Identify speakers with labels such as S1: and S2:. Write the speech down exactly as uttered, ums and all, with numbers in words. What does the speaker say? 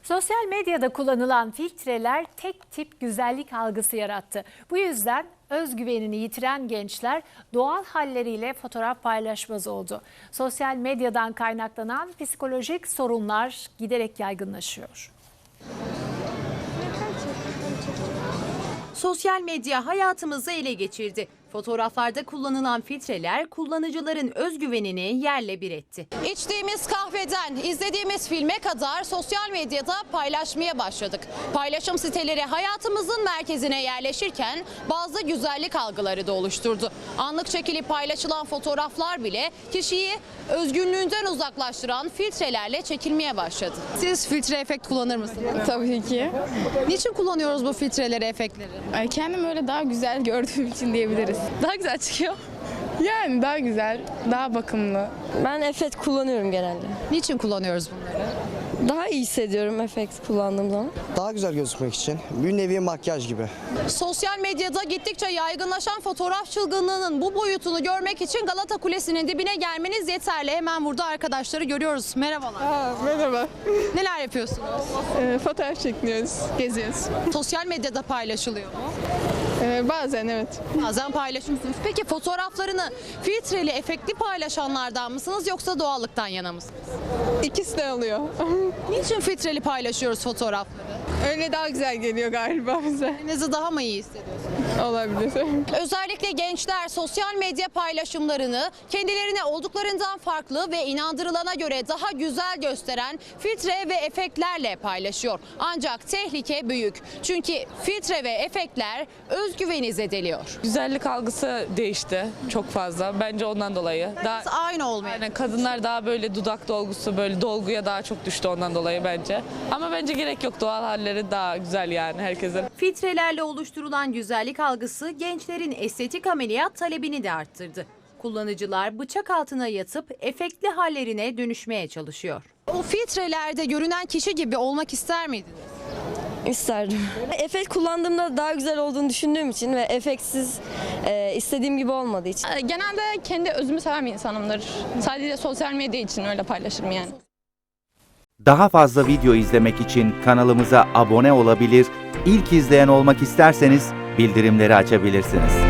S1: Sosyal medyada kullanılan filtreler tek tip güzellik algısı yarattı. Bu yüzden özgüvenini yitiren gençler doğal halleriyle fotoğraf paylaşmaz oldu. Sosyal medyadan kaynaklanan psikolojik sorunlar giderek yaygınlaşıyor.
S2: Sosyal medya hayatımızı ele geçirdi. Fotoğraflarda kullanılan filtreler kullanıcıların özgüvenini yerle bir etti. İçtiğimiz kahveden izlediğimiz filme kadar sosyal medyada paylaşmaya başladık. Paylaşım siteleri hayatımızın merkezine yerleşirken bazı güzellik algıları da oluşturdu. Anlık çekilip paylaşılan fotoğraflar bile kişiyi özgünlüğünden uzaklaştıran filtrelerle çekilmeye başladı. Siz filtre efekt kullanır mısınız?
S3: Tabii ki.
S2: Niçin kullanıyoruz bu filtreleri, efektleri?
S3: Ay, kendim öyle daha güzel gördüğüm için diyebiliriz.
S2: Daha güzel çıkıyor.
S3: Yani daha güzel, daha bakımlı.
S4: Ben efekt kullanıyorum genelde.
S2: Niçin kullanıyoruz bunları?
S4: Daha iyi hissediyorum efekt kullandığım zaman.
S5: Daha güzel gözükmek için. Bir nevi makyaj gibi.
S2: Sosyal medyada gittikçe yaygınlaşan fotoğraf çılgınlığının bu boyutunu görmek için Galata Kulesi'nin dibine gelmeniz yeterli. Hemen burada arkadaşları görüyoruz. Merhabalar.
S3: Aa, merhaba.
S2: Neler yapıyorsunuz?
S3: Ee, fotoğraf çekiniyoruz, geziyoruz.
S2: Sosyal medyada paylaşılıyor mu?
S3: Ee, bazen evet.
S2: Bazen paylaşıyorsunuz. Peki fotoğraflarını filtreli, efektli paylaşanlardan mısınız yoksa doğallıktan yana mısınız?
S3: İkisi de oluyor.
S2: Niçin filtreli paylaşıyoruz fotoğrafları?
S3: Öyle daha güzel geliyor galiba bize.
S2: Kendinizi daha mı iyi hissediyorsunuz?
S3: Olabilir.
S2: Özellikle gençler sosyal medya paylaşımlarını kendilerine olduklarından farklı ve inandırılana göre daha güzel gösteren filtre ve efektlerle paylaşıyor. Ancak tehlike büyük. Çünkü filtre ve efektler özgüveni zedeliyor.
S6: Güzellik algısı değişti çok fazla. Bence ondan dolayı. Daha,
S2: Aynı olmuyor.
S6: yani kadınlar daha böyle dudak dolgusu, böyle dolguya daha çok düştü ondan dolayı bence. Ama bence gerek yok. Doğal halleri daha güzel yani herkesin.
S2: Filtrelerle oluşturulan güzellik algısı gençlerin estetik ameliyat talebini de arttırdı. Kullanıcılar bıçak altına yatıp efektli hallerine dönüşmeye çalışıyor. O filtrelerde görünen kişi gibi olmak ister miydiniz?
S4: İsterdim. Efekt kullandığımda daha güzel olduğunu düşündüğüm için ve efektsiz e, istediğim gibi olmadığı için.
S7: Genelde kendi özümü seven bir insanımdır. Sadece sosyal medya için öyle paylaşırım yani.
S8: Daha fazla video izlemek için kanalımıza abone olabilir, ilk izleyen olmak isterseniz bildirimleri açabilirsiniz.